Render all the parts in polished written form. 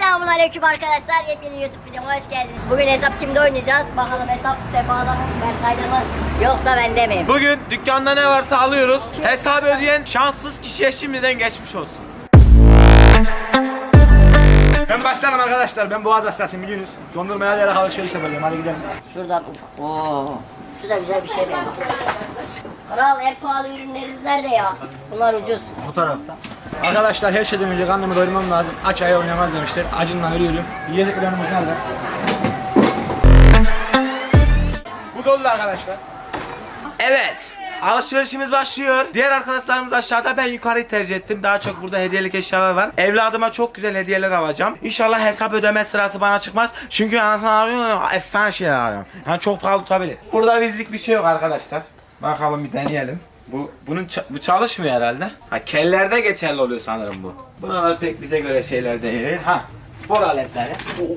Selamünaleyküm arkadaşlar. Yepyeni YouTube videoma hoş geldiniz. Bugün hesap kimde oynayacağız? Bakalım hesap Sefa'da mı, Berkay'da mı yoksa bende mi? Bugün dükkanda ne varsa alıyoruz. Hesabı ödeyen şanssız kişiye şimdiden geçmiş olsun. Ben başlarım arkadaşlar. Ben boğaz hastasıyım biliyorsunuz. Dondurmaya alarak alışveriş yapacağım. Hadi gidelim. Şuradan. Oo. Şu da güzel bir şey benim. Kral en pahalı ürünleriniz nerede ya? Bunlar ucuz. Bu tarafta. Arkadaşlar her şeyden önce karnımı doyurmam lazım. Aç aya oynamaz demişler. Acından ölüyorum. Yiyeceklerimiz nerede? Bu dolu arkadaşlar. Evet. Alışverişimiz başlıyor. Diğer arkadaşlarımız aşağıda, ben yukarıyı tercih ettim. Daha çok burada hediyelik eşyalar var. Evladıma çok güzel hediyeler alacağım. İnşallah hesap ödeme sırası bana çıkmaz. Çünkü anasını arıyorum, efsane şeyler arıyorum. Yani çok pahalı tutabilir. Burada bizlik bir şey yok arkadaşlar. Bakalım bir deneyelim. Bu çalışmıyor herhalde. Ha, kellerde geçerli oluyor sanırım bu. Bunlar pek bize göre şeyler değil. Ha, spor aletleri.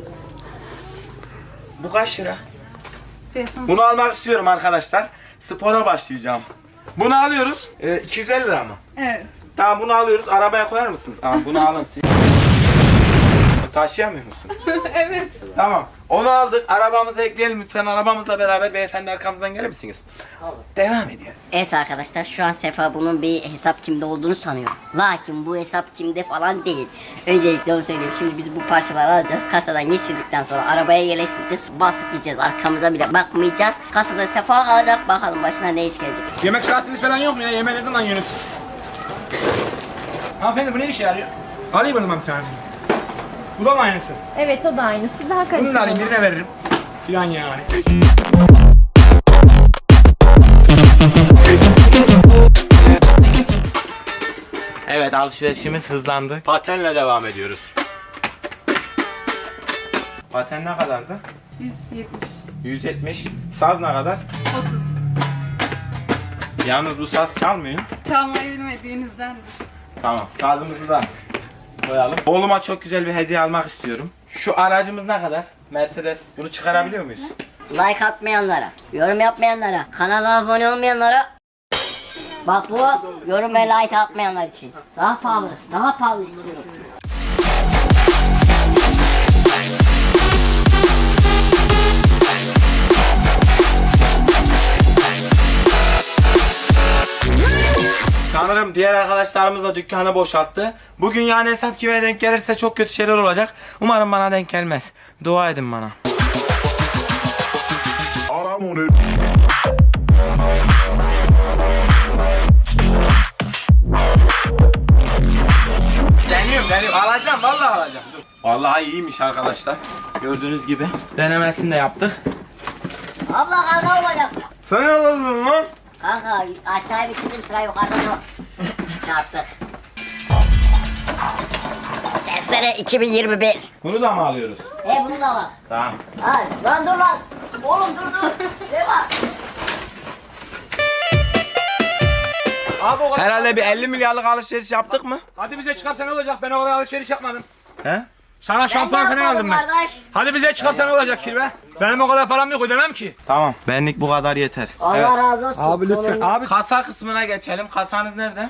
Bu kaç lira? Bunu almak istiyorum arkadaşlar. Spora başlayacağım. Bunu alıyoruz. 250 lira mı? Evet. Tamam, bunu alıyoruz. Arabaya koyar mısınız? Tamam, bunu alın siz. Taşıyamıyor musun? Evet. Tamam. Onu aldık. Arabamıza ekleyelim lütfen. Arabamızla beraber beyefendi arkamızdan gelir misiniz? Devam ediyor. Evet arkadaşlar, şu an Sefa bunun bir hesap kimde olduğunu sanıyor. Lakin bu hesap kimde falan değil. Öncelikle onu söyleyeyim. Şimdi biz bu parçaları alacağız. Kasadan geçirdikten sonra arabaya yerleştireceğiz. Basıp gideceğiz. Arkamıza bile bakmayacağız. Kasada Sefa kalacak. Bakalım başına ne iş gelecek. Yemek saatiniz falan yok mu ya? Yemeğe ne zaman yiyorsunuz siz? Hanımefendi bu ne işe yarıyor? Alayım bunu ben bir tane. Bu da mı aynısı? Evet, o da aynısı. Daha kaliteli. Bunu da alayım, birine veririm. Filan yani. Evet, alışverişimiz hızlandı. Patenle devam ediyoruz. Paten ne kadardı? 170. 170. Saz ne kadar? 30. Yalnız bu saz çalmıyor. Çalmayı bilmediğinizdendir. Tamam, sazımızı da koyalım. Oğluma çok güzel bir hediye almak istiyorum. Şu aracımız ne kadar? Mercedes. Bunu çıkarabiliyor muyuz? Like atmayanlara, yorum yapmayanlara, kanala abone olmayanlara. Bak bu yorum ve like atmayanlar için. Daha pahalı, daha pahalı istiyorum. Sanırım diğer arkadaşlarımız da dükkanı boşalttı. Bugün yani hesap kime denk gelirse çok kötü şeyler olacak. Umarım bana denk gelmez. Dua edin bana. Deniyorum. Alacağım, vallahi alacağım. Dur. Vallahi iyiymiş arkadaşlar. Gördüğünüz gibi. Denemesini de yaptık. Abla kaza olacak. Fena oldu mu? Kanka aşağıya bitirdim, sıra yukarıda dur. Çarptık. Testere 2021. Bunu da mı alıyoruz? Bunu da bak. Tamam. Hadi lan dur lan. Oğlum dur. Ne var? Abi o kadar. Herhalde bir 50 milyarlık alışveriş yaptık mı? Hadi bize çıkarsa ne olacak? Ben o kadar alışveriş yapmadım. He? Sana şampuan falan aldım ben. Kardeş. Hadi bize çıkarsa ne olacak kirve? Benim o kadar param yok, ödemem ki. Tamam. Benlik bu kadar yeter. Allah Evet. razı olsun. Abi lütfen. Sonunda- Abi Kasa kısmına geçelim. Kasanız nerede?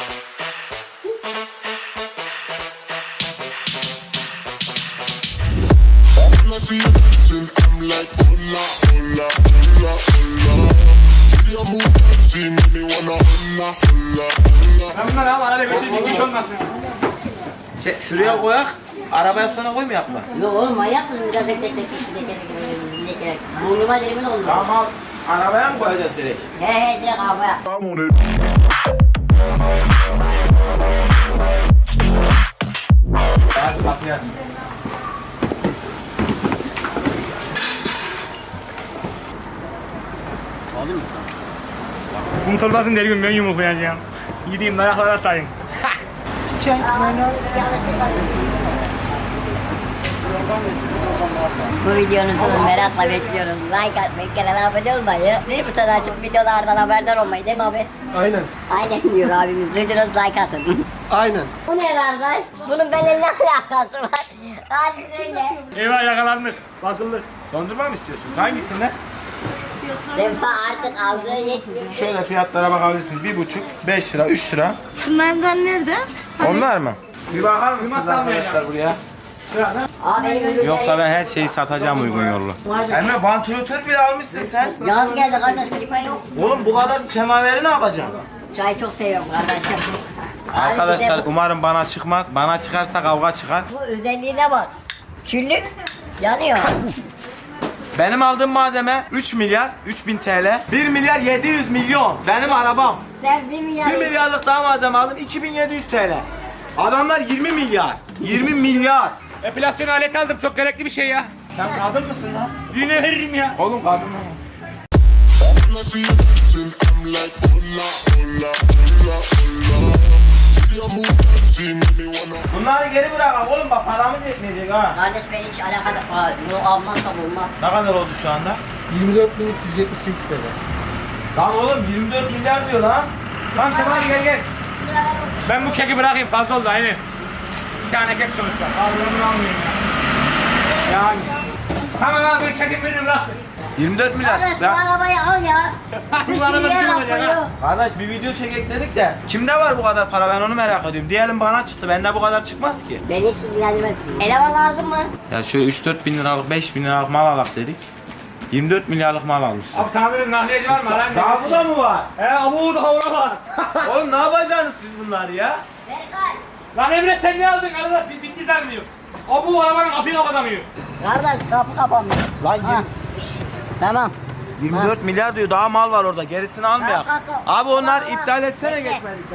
When I see you dancing, I'm like, hola, hola, hola, hola. See you move fancy, make me wanna hola, hola, hola. ben bunları al, arada götür, bir iş olmasın. Şuraya koyak. Arabaya sonra koymayak mı? Yok oğlum manyak mısın? Biraz tek. Burnuma dilimin oldu. Tamam al. Arabaya mı koyacağız direkt? He direkt arabaya. I'm on it. Aç kapıyı aç. Unutulmasın der gün ben yumruklayacağım. Gideyim dayaklara sayın. Bu videonuzu merakla bekliyorum. Like atmayı, kanala abone olmayı, zil butonu açıp videolardan haberdar olmayı, değil mi abi? Aynen. Aynen diyor abimiz. Duydunuz, like atın. Aynen. Bu ne kardeş? Bunun benimle ne alakası var? Hadi söyle. Eyvah yakalandık. Basıldık. Dondurma mı istiyorsunuz? Hangisinde? Sefa artık aldığı yetmiyor. Şöyle fiyatlara bakabilirsiniz. 1,5, 5 lira, 3 lira. Şunlardan nerede? Onlar mı? Bir bakar mısınız Kıymas arkadaşlar almayacağım. buraya? Abi benim ürünleri... Yoksa ben her şeyi satacağım uygun yollu. Vardı. Emre vantilatör bile almışsın sen. Yaz geldi kardeş, klima yok. Oğlum bu kadar semaveri ne yapacaksın? Çayı çok seviyorum kardeşim. Abi Arkadaşlar bir de umarım bana çıkmaz. Bana çıkarsa kavga çıkar. bu özelliğine bak. Küllük yanıyor. Benim aldığım malzeme 3 milyar 3000 TL. 1 milyar 700 milyon. Benim arabam. Sen 1 milyar... 1 milyarlık daha malzeme aldım 2700 TL. Adamlar 20 milyar. 20 milyar. Epilasyon aleti aldım. Çok gerekli bir şey ya. Sen kadın mısın lan? Birine veririm ya. Oğlum kadın mı? When I see you dancing, I'm like, hola, hola, hola, hola. See you move fancy, make me wanna. Bunları geri bırak oğlum bak paramız yetmeyecek ha. Kardeş beni hiç alakadar... Aa, bunu almazsam olmaz. Ne kadar oldu şu anda? 24.378 TL. Lan oğlum 24 milyar diyor lan. Tamam Şevval gel. Ben bu keki bırakayım. Fazla oldu aynı. Bir tane kek sonuçta. Ağzını almayayım ya. Yani. Tamam abi ben keki veririm bırak. 24 milyar. Kardeş bu Ya, arabayı al ya. Bir Bu araba sürü yer bizim al olacak koyuyor. ha. kardeş bir video çekek dedik de kimde var bu kadar para ben onu merak ediyorum. Diyelim bana çıktı bende bu kadar çıkmaz ki. Beni hiç ilgilendirmez. Eleman lazım mı? Ya şöyle 3-4 bin liralık 5 bin liralık mal alak dedik. 24 milyarlık mal almış. Abi tamirin nahliyeci var mı? Lan Daha bu da mı var? abu daha ona var. Oğlum ne yapacaksınız siz bunları ya? Berkay. Lan Emre sen ne aldın? Arkadaş bitti zannediyor. Abu arabanın kapıyı kapatamıyor. Kardeş kapı kapanmıyor. Lan Ha. Tamam. 24 milyar diyor daha mal var orada gerisini almayak. Kalk, kalk. Abi onlar Tamam, iptal etsene bekle. geçmedikten.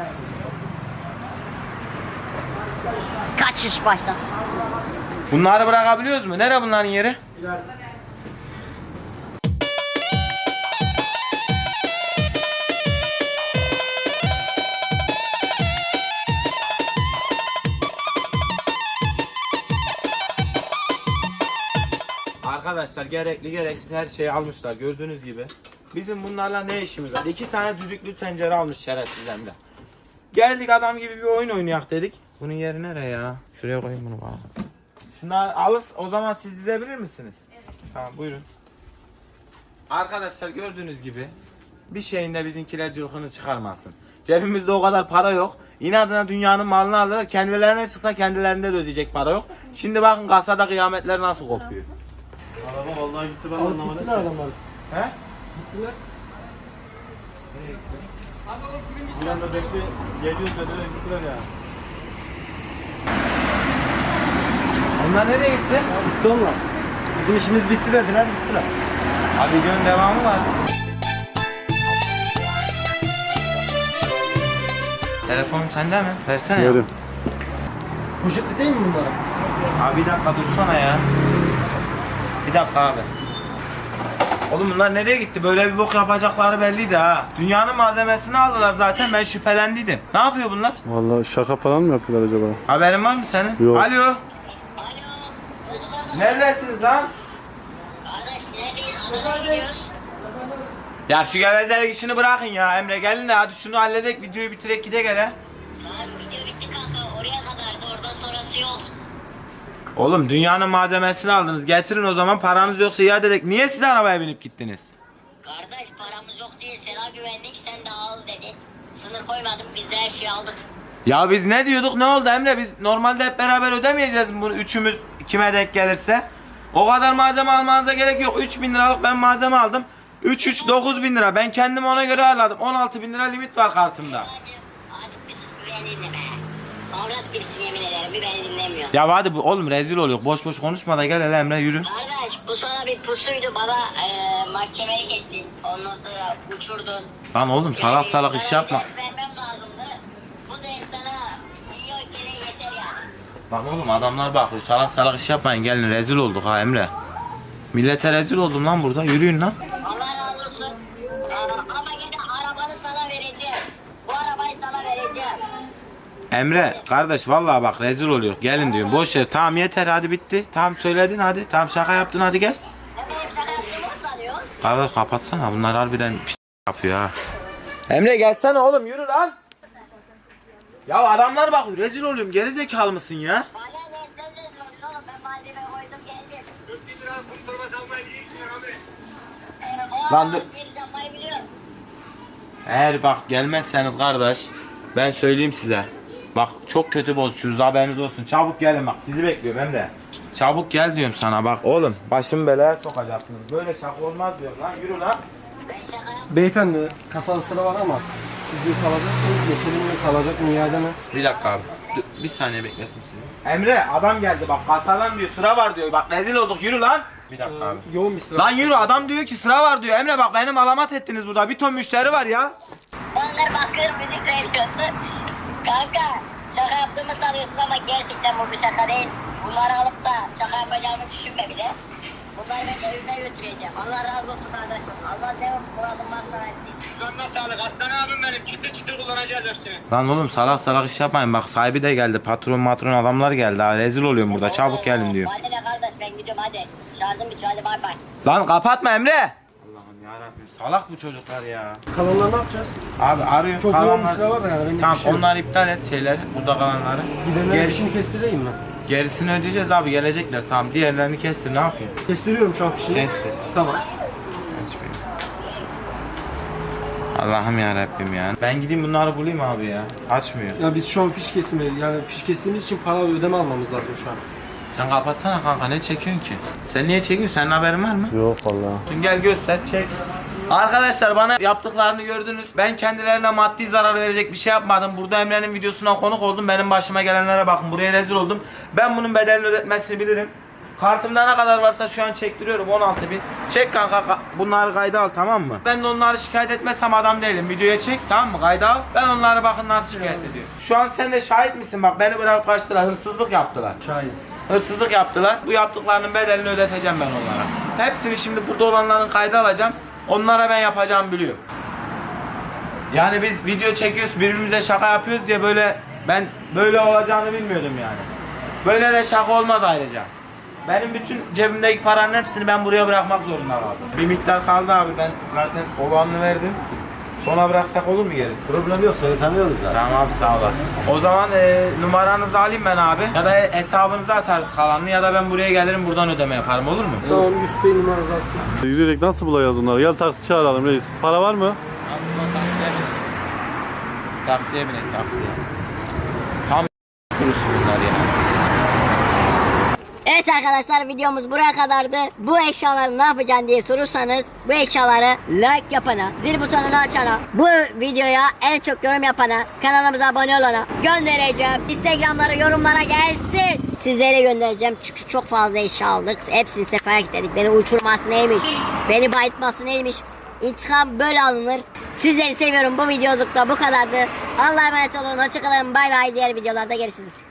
Kaçış başlasın. Bunları bırakabiliyoruz mu? Nere bunların yeri? Arkadaşlar gerekli gereksiz her şeyi almışlar gördüğünüz gibi. Bizim bunlarla ne işimiz var? 2 tane düdüklü tencere almış şerefsiz hem de. Geldik adam gibi bir oyun oynayak dedik. Bunun yeri nereye ya? Şuraya koyayım bunu bana. Şunlar alırız o zaman siz dizebilir misiniz? Evet. Tamam buyurun. Arkadaşlar gördüğünüz gibi bir şeyin de bizimkiler cılkını çıkarmasın. Cebimizde o kadar para yok. İnadına dünyanın malını alırlar. Kendilerine çıksa kendilerinde de ödeyecek para yok. Şimdi bakın kasada kıyametler nasıl kopuyor. Araba vallahi gitti ben anlamadım. Gittiler adamlar. He? Gittiler. Bir anda bekle geliyoruz dediler gittiler ya. Onlar nereye gitti? Gitti onlar. Bizim işimiz bitti dediler gittiler. Abi videonun devamı var. Telefonum sende mi? Versene ya. Poşetli değil mi bunlar? Abi bir dakika dursana ya. Bir dakika abi. Oğlum bunlar nereye gitti? Böyle bir bok yapacakları belliydi ha. Dünyanın malzemesini aldılar zaten ben şüphelendiydim. Ne yapıyor bunlar? Vallahi şaka falan mı yapıyorlar acaba? Haberin var mı senin? Yok. Alo. Neredesiniz lan? Kardeş neredeyiz? Anadolu'ya gidiyoruz. Ya şu gevezelik işini bırakın ya Emre gelin de hadi şunu halledek videoyu bitirek gide gele. Tamam video bitti kanka. Oraya kadardı. Oradan sonrası yok. Oğlum dünyanın malzemesini aldınız getirin o zaman paranız yoksa iade edek. Niye siz arabaya binip gittiniz? Kardeş paramız yok diye sana güvendik. Sen de al dedi. Sınır koymadım. Biz de her şeyi aldık. Ya biz ne diyorduk ne oldu Emre biz normalde hep beraber ödemeyeceğiz mi bunu üçümüz kime denk gelirse. O kadar malzeme almanıza gerek yok 3000 liralık ben malzeme aldım. 9.000 lira ben kendim ona göre ayarladım 16.000 lira limit var kartımda. Hadi bir sus bir beni dinle be. Avrat gibisin yemin ederim. Bir beni dinlemiyor. Ya hadi bu oğlum rezil oluyor boş boş konuşma da gel hele Emre yürü. Kardeş bu sana bir pusuydu. Bana mahkemelik ettin. Ondan sonra uçurdun. Lan oğlum salak salak iş yapma. Vermem lazımdı. Bu da sana milyon kere yeter yani. Lan oğlum adamlar bakıyor salak salak iş yapmayın gelin rezil olduk ha Emre. Millete rezil oldum lan burada yürüyün lan. Allah razı olsun. Ama yine arabanı sana vereceğim. Bu arabayı sana vereceğim. Emre kardeş vallahi bak rezil oluyor gelin diyorum boş ver tamam yeter hadi bitti tamam söyledin hadi tamam şaka yaptın hadi gel. Ne benim sana yaptığımı mı sanıyorsun? Kardeş kapatsana bunlar harbiden pis yapıyor ha. Emre gelsene oğlum yürü lan. Ya adamlar bakıyor rezil oluyorum geri zekalı mısın ya? Bana ne sen de sorun oğlum ben malzeme koydum geldim. 4000 lira kurtarma salmaya gidiyorsun abi. O Lan dur. adamı seni yapmayı biliyorum. Eğer bak gelmezseniz kardeş ben söyleyeyim size. Bak çok kötü bozuyorsunuz haberiniz olsun çabuk gelin bak sizi bekliyorum Emre. Çabuk gel diyorum sana bak oğlum. Başımı belaya sokacaksınız. Böyle şaka olmaz diyorum lan. Yürü lan. Beyefendi kasada sıra var ama ücret alacak mı? Geçelim mi? Kalacak mı? İade mi? Bir dakika abi. Bir saniye bekletin sizi. Emre adam geldi bak kasadan diyor sıra var diyor. Bak rezil olduk yürü lan. Bir dakika abi. Yoğun bir sıra. Lan yürü adam diyor ki sıra var diyor. Emre bak benim alamat ettiniz burada. Bir ton müşteri var ya. Onlar bakır müzik söylüyorsun. Kanka şaka yaptığımı sanıyorsun ama gerçekten bu bir şaka değil. Bunları alıp da şaka yapacağımı düşünme bile. Bunları ben evime götüreceğim. Allah razı olsun kardeşim. Allah senin muradın varsa versin. Canına sağlık. Aslan abim benim. Çıtır çıtır kullanacağız hepsini. Lan oğlum salak salak iş yapmayın. Bak sahibi de geldi. Patron adamlar geldi. Ha, rezil oluyorum burada. Çabuk gelin diyor. Hadi de kardeş ben gidiyorum hadi. Şarjım bitiyor hadi bay bay. Lan kapatma Emre. Allah'ım yarabbim salak bu çocuklar ya. Kalanları ne yapacağız? Abi arıyorum. Çok yoğun bir sıra var da yani. Bende Tamam bir şey yok. onları iptal et şeyleri. Burada kalanları. Gidenlerin işini kestireyim mi? Gerisini ödeyeceğiz abi gelecekler. Tamam diğerlerini kestir ne yapayım? Kestiriyorum şu an fişini. Kestir. Tamam. Allah'ım yarabbim ya. Ben gideyim bunları bulayım abi ya. Açmıyor. Ya biz şu an fiş kestirmeyiz. Yani fiş kestiğimiz için para ödeme almamız lazım şu an. Sen kapatsana kanka ne çekiyorsun ki? Sen niye çekiyorsun? Senin haberin var mı? Yok vallahi. Gel göster çek. Arkadaşlar bana yaptıklarını gördünüz. Ben kendilerine maddi zarar verecek bir şey yapmadım. Burada Emre'nin videosuna konuk oldum. Benim başıma gelenlere bakın. Buraya rezil oldum. Ben bunun bedelini ödetmesini bilirim. Kartımda ne kadar varsa şu an çektiriyorum 16.000. Çek kanka bunları kayda al tamam mı? Ben de onları şikayet etmezsem adam değilim. Videoya çek tamam mı? Kayda al. Ben onları bakın nasıl şikayet ediyorum. Şu an sen de şahit misin? Bak beni bırakıp kaçtılar. Hırsızlık yaptılar. Şahin. Hırsızlık yaptılar. Bu yaptıklarının bedelini ödeteceğim ben onlara. Hepsini şimdi burada olanların kayda alacağım. Onlara ben yapacağımı biliyorum. Yani biz video çekiyoruz, birbirimize şaka yapıyoruz diye ben böyle olacağını bilmiyordum yani. Böyle de şaka olmaz ayrıca. Benim bütün cebimdeki paranın hepsini ben buraya bırakmak zorunda kaldım. Bir miktar kaldı abi ben zaten olanını verdim. Sona bıraksak olur mu gerisi? Problem yok, seni tanıyoruz zaten. Tamam abi sağ olasın. O zaman numaranızı alayım ben abi. Ya da hesabınıza atarız kalanını ya da ben buraya gelirim buradan ödeme yaparım olur mu? Tamam, Yusuf Bey numaranızı alsın. Yürüyerek nasıl bulacağız onları? Gel taksi çağıralım reis. Para var mı? Taksiye binek taksiye. Tam kurusu bunlar ya. Evet arkadaşlar videomuz buraya kadardı. Bu eşyaları ne yapacaksın diye sorursanız bu eşyaları like yapana, zil butonunu açana, bu videoya en çok yorum yapana, kanalımıza abone olana göndereceğim. Instagram'lara yorumlara gelsin. Sizlere göndereceğim çünkü çok fazla eşya aldık. Hepsini sefaya kilitledik. Beni uçurması neymiş, beni bayıltması neymiş. İntikam böyle alınır. Sizleri seviyorum. Bu videolukta bu kadardı. Allah'a emanet olun. Hoşçakalın. Bay bay. Diğer videolarda görüşürüz.